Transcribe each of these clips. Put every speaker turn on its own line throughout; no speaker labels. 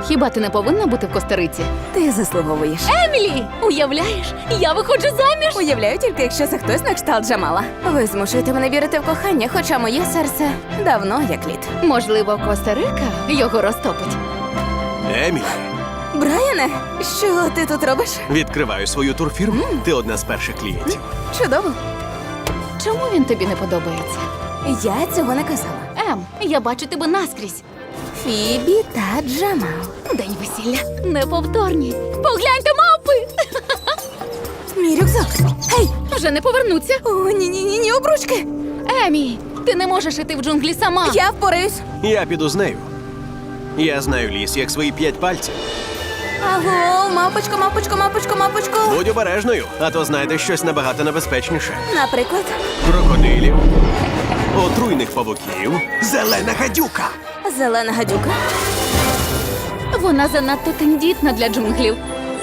хіба ти не повинна бути в Коста-Риці?
Ти заслуговуєш.
Емілі! Уявляєш, я виходжу заміж!
Уявляю тільки, якщо це хтось на кшталт Джамала. Ви змушуєте мене вірити в кохання, хоча моє серце давно як лід.
Можливо, Коста-Рика його розтопить.
Емілі,
Брайане, що ти тут робиш?
відкриваю свою турфірму. Ти одна з перших клієнтів.
Чудово.
Чому він тобі не подобається?
Я цього не казала.
Я бачу тебе наскрізь.
Фібі та Джамал.
День весілля. Неповторні. Погляньте, мавпи!
Мій рюкзак. Гей!
Вже не повернуться.
О, ні, обручки.
Емі, ти не можеш іти в джунглі сама.
Я впораюсь.
Я піду з нею. Я знаю ліс, як свої 5 пальців.
Аго, мапочко.
Будь обережною, а то знайдеш щось набагато небезпечніше.
Наприклад,
Крокодилів, отруйних павуків, зелена гадюка.
зелена гадюка.
Вона занадто тендітна для джунглів.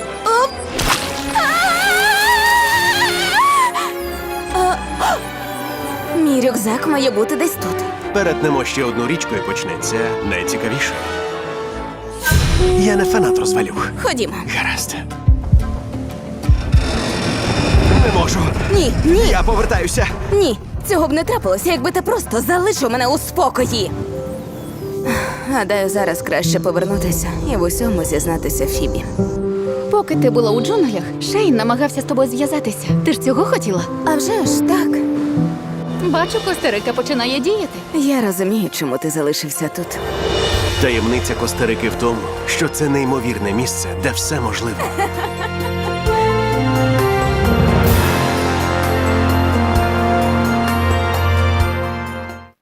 Мій рюкзак має бути десь тут.
Перетнемо ще одну річку і почнеться найцікавіше. Я не фанат розвалюх.
Ходімо.
Гаразд. Не можу.
Ні.
Я повертаюся.
Ні, цього б не трапилося, якби ти просто залишив мене у спокої. Гадаю, зараз краще повернутися і в усьому зізнатися Фібі.
Поки ти була у джунглях, Шейн намагався з тобою зв'язатися. Ти ж цього хотіла?
А вже ж так.
Бачу, Коста-Рика починає діяти.
Я розумію, чому ти залишився тут.
Таємниця Коста-Рики в тому, що це неймовірне місце, де все можливо.